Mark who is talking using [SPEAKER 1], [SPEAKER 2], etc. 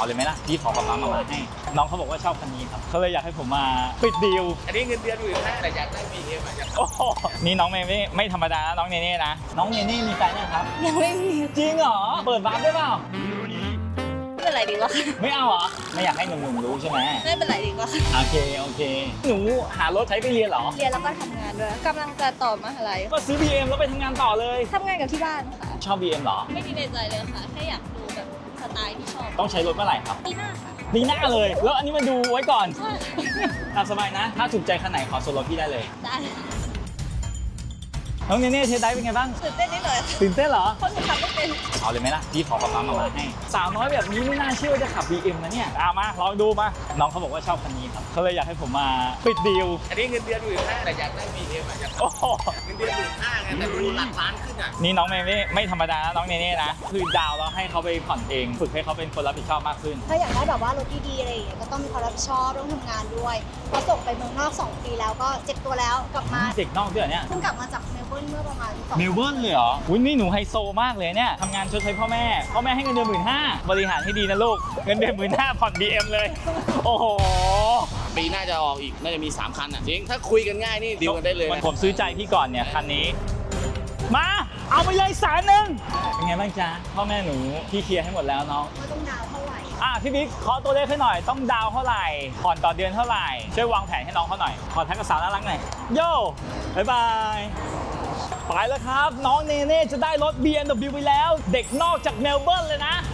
[SPEAKER 1] เอาเลยไหมล่ะพี่ขอป๊าป๊ามาให้น้องเขาบอกว่าชอบคันนี้ครับเขาเลยอยากให้ผมมาปิดดีล
[SPEAKER 2] อันนี้เงินเดือนอยู่นะแต่อยากได้ BM อ่ะ
[SPEAKER 1] โอ้โหนี่น้องไม่ธรรมดานะน้องเนเน่นะน้องเนเน่มีแฟนยังครับ
[SPEAKER 3] ยังไม่มี
[SPEAKER 1] จริงเหรอเปิดวาร์ปได้เปล่า
[SPEAKER 3] ไม่เป็นไรดีกว่าค่ะ
[SPEAKER 1] ไม่เอาเหรอไม่อยากให้หนุ่มๆรู้ใช่ไหม
[SPEAKER 3] ไม่เป็นไรดีกว่าค่ะ
[SPEAKER 1] โอเคหนูหารถใช้ไปเรียนเหรอ
[SPEAKER 3] เรียนแล้วก็ทำงานด้วยกำลังจะต่อมหาลัย
[SPEAKER 1] ก็ซื้อ BM แล้วไปทำงานต่อเลย
[SPEAKER 3] ทำงานกับที่บ้านค่ะ
[SPEAKER 1] ชอบ BM เหรอ
[SPEAKER 3] ไม่มีในใจเลยค่ะแค่อยากดูแบบสไตล์ที่ชอบ
[SPEAKER 1] ต้องใช้รถเมื่อไหร่ครับ
[SPEAKER 3] ปีหน้าค่ะ
[SPEAKER 1] ปีหน้าเลย แล้วอันนี้มาดูไว้ก่อน
[SPEAKER 3] ใช่
[SPEAKER 1] ตามสบายนะ ถ้าถูกใจคันไหนขอส่วนลดพี่ได้เลย
[SPEAKER 3] ได้
[SPEAKER 1] น้องเนเน่เทสไดฟ์เป็นไงบ้าง
[SPEAKER 3] ตื่นเต้นนิดหน่อยค่ะ
[SPEAKER 1] ตื่นเต้นเหรอ
[SPEAKER 3] เพราะหนูขับไม่เป็น
[SPEAKER 1] เอาเลยไหมล่ะพี่ขอป๊าป๊ามาให้สาวน้อยแบบนี้ไม่น่าเชื่อว่าจะขับ BM นะเนี่ยมาลองดูมาน้องเขาบอกว่าชอบคันนี้ครับเขาเลยอยากให้ผมมาปิดดีล
[SPEAKER 2] อันนี้เงินเดือนอยู่นะแต่อยากได้ BM อ่ะ
[SPEAKER 1] โอ้โห
[SPEAKER 2] เงินเดือน15,000ไงแต่ดูหลักล้านขึ้นอ่ะ
[SPEAKER 1] นี่น้องไม่ธรรมดานะน้องเนเน่นะคือดาวแล้วให้เขาไปผ่อนเองฝึกให้เขาเป็นคนรับผิดชอบมากขึ้น
[SPEAKER 4] ถ้าอยากได้แบบว่ารถดีๆอะไรอย่างเงี้ยก็ต้องมีความรับผิดชอบต้องทำงานด้วยพอส่งไปเมืองนอก 2 ปีแล้วก็เจ็บตัวแล้วกลับมา
[SPEAKER 1] เด็กนอกด้วยเหรอเนี่ย
[SPEAKER 4] เพิ่งกลับมาจากเมลเบิร์นเมื่อประมาณ2
[SPEAKER 1] เมลเบิร์นเลยเหรออุ้ยนี่หนูไฮโซมากเลยเนี่ยทำงานชดใช้พ่อแม่ให้เงินเดือน15,000บริหารให้ดีนะลูกเงินเดือน15,000ผ่อน BM เลยโอ้โห
[SPEAKER 2] ปีหน้าจะออกอีกน่าจะมี3คันอ่ะจริงถ้าคุยกันง่ายนี่ดีลกันได้เลยนะ
[SPEAKER 1] ผมซื้อใจพี่ก่อนเนี่ยคันนี้มาเอาไปเลย100,000เป็นไงบ้างจ๊ะพ่อแม่หนูพี่เคลียร์ให้หมดแล้วน้อง
[SPEAKER 4] ว่าต้องดาวน์เท่าไหร่
[SPEAKER 1] พี่บิ๊กขอตัวเลขให้หน่อยต้องดาวเท่าไหร่ผ่อนต่อเดือนเท่าไหร่ช่วยวางแผนให้น้องเขาหน่อยขอทักกระสาวน่ารักหน่อยโย่บ๊ายบายไปแล้วครับน้องเนเน่จะได้รถ BMW ไปแล้ว เด็กนอกจากเมลเบิร์นเลยนะ